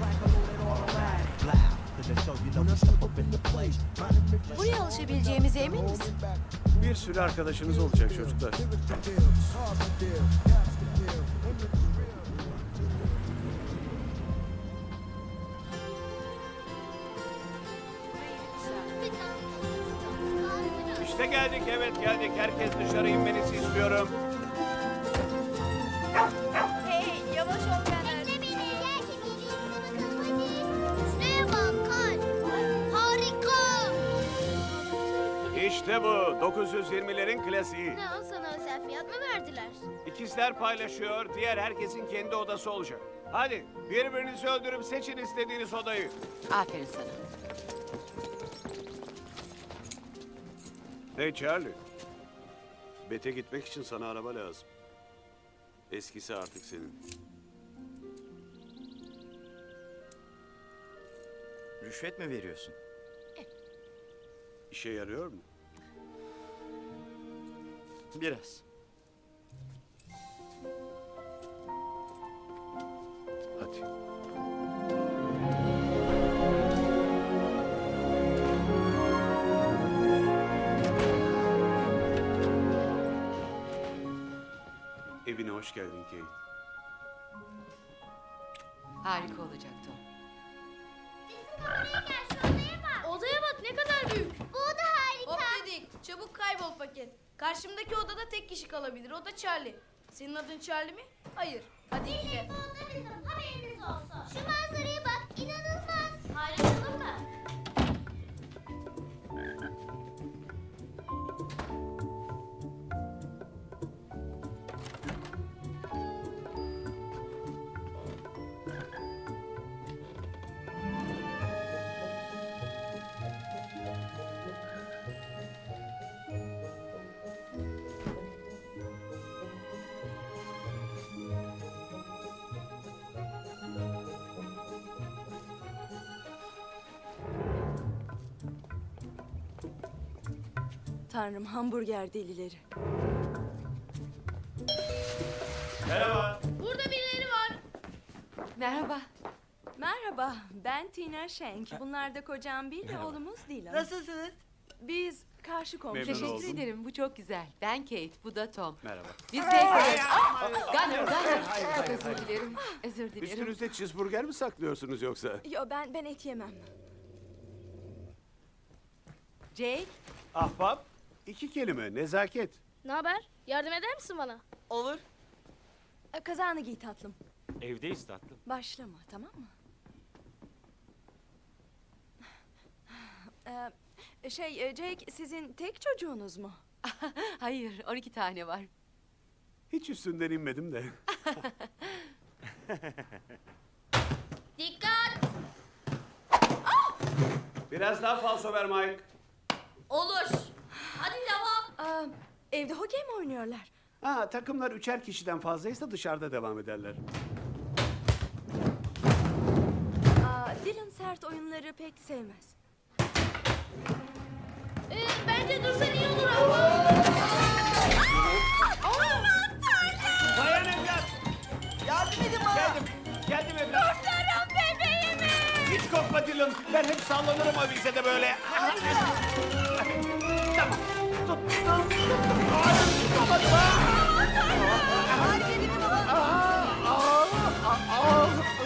Buraya alışabileceğimize emin misin? Bir sürü arkadaşınız olacak çocuklar. İşte geldik, evet geldik. Herkes dışarı inmenizi istiyorum. Hey, yavaş ol Caner. Bekle beni. Gerçek bakalım hadi. Şuraya bak kar. Harika. İşte bu 920'lerin klasiği. Ne o sana özel fiyat mı verdiler? İkizler paylaşıyor, diğer herkesin kendi odası olacak. Hadi birbirinizi öldürüp seçin istediğiniz odayı. Aferin sana. Hey Charlie. Bete gitmek için sana araba lazım. Eskisi artık senin. Rüşvet mi veriyorsun? İşe yarıyor mu? Biraz. Hadi. Evine hoş geldin Kate. Harika olacak Tom. Odaya bak ne kadar büyük. Bu oda harika. Hop dedik. Çabuk kaybol paket. Karşımdaki odada tek kişi kalabilir. O da Charlie. Senin adın Charlie mi? Hayır. Hadi gidelim. Bu oda bizim haberiniz olsun. Şu manzaraya bak inanılmaz. Paylaşalım mı? Tanrım, hamburger delileri. Merhaba. Burada birileri var. Merhaba. Merhaba, ben Tina Schenk. Bunlar da kocam Bill ve oğlumuz Dylan. Nasılsınız? Biz karşı komşu. Memnun Teşekkür oldum. ederim. Bu çok güzel. Ben Kate, bu da Tom. Merhaba. Biz bekleriz. Gunner. Çok özür dilerim. Özür dilerim. Üstünüzde cheeseburger mi saklıyorsunuz yoksa? Yo, ben et yemem. Jake, Ahbap, 2 kelime, nezaket. Ne haber? Yardım eder misin bana? Olur. Kazağını giy tatlım. Evdeyiz tatlım. Başlama, tamam mı? Jake, sizin tek çocuğunuz mu? hayır 12 tane var. Hiç üstünden inmedim de. Dikkat! Biraz daha falso ver Mike. Olur. Hadi devam. Evde hokey mi oynuyorlar? Ha, takımlar 3'er kişiden fazlaysa dışarıda devam ederler. Dylan sert oyunları pek sevmez. Bence dursan iyi olur ama. Dayan evlat. Yardım edin bana. Geldim evlat. Kurtarın bebeğimi! Hiç korkma Dylan. Ben hep sallanırım avizede böyle. Tamam. Tut. Tutamadım ha.